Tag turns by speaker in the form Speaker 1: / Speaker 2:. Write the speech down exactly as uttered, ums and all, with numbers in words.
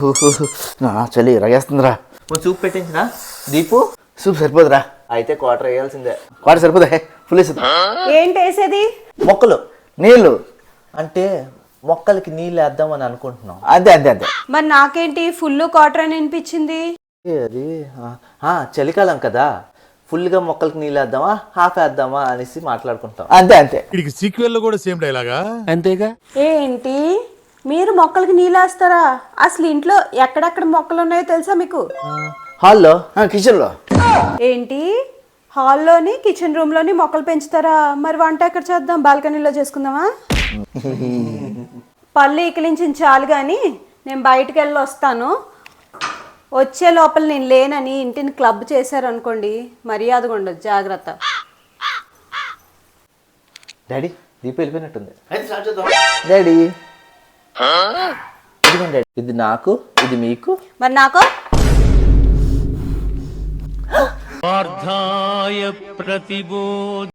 Speaker 1: నా చలి రగేస్తుందిరా.
Speaker 2: కొంచెం సూప్ పెట్టించినా దీపు?
Speaker 1: సూప్ సరిపోదురా.
Speaker 2: అయితే క్వార్టర్ వేయాల్సిందే.
Speaker 1: వాడు సరిపోదా? ఫుల్ వేసేది.
Speaker 3: ఏంటి వేసేది?
Speaker 2: మొక్కలు
Speaker 1: నీళ్ళు
Speaker 2: అంటే మొక్కలకి నీళ్ళు వేద్దామని అనుకుంటున్నాం.
Speaker 1: అంతే అంతే అంతే.
Speaker 3: మరి నాకేంటి ఫుల్ క్వార్టర్ అని అనిపించింది?
Speaker 2: ఏ అది ఆ, ఆ, చలికాలం కదా, ఫుల్గా మొక్కలకి నీళ్ళు వేద్దామా హాఫ్ వేద్దామా అనేసి మాట్లాడుకుంటాం.
Speaker 1: అంతే అంతే.
Speaker 4: వీడికి సీక్వెల్ లో కూడా సేమ్ డైలాగా అంతేగా.
Speaker 3: ఏంటి మీరు మొక్కలకి నీళ్ళు వేస్తారా? అసలు ఇంట్లో ఎక్కడెక్కడ మొక్కలు ఉన్నాయో తెలుసా మీకు?
Speaker 2: హాల్లో
Speaker 1: కిచెన్లో
Speaker 3: ఏంటి హాల్లోని కిచెన్ రూమ్ లోని మొక్కలు పెంచుతారా? మరి వంట ఎక్కడ చేద్దాం? బాల్కనీలో చేసుకుందామా? పళ్ళు ఇకిలించిన చాలు కానీ నేను బయటకు వెళ్ళి వస్తాను. వచ్చే లోపల నేను లేనని ఇంటిని క్లబ్ చేశారనుకోండి, మర్యాదగా ఉండదు, జాగ్రత్త.
Speaker 2: డాడీ దీపు వెళ్ళిపోయినట్టుంది.
Speaker 1: అయితే స్టార్ట్ చేద్దాం.
Speaker 2: డాడీ ఇదిగోండి డాడీ, ఇది నాకు, ఇది మీకు.
Speaker 3: మరి నాకు
Speaker 4: పార్థాయ ప్రతిబోధ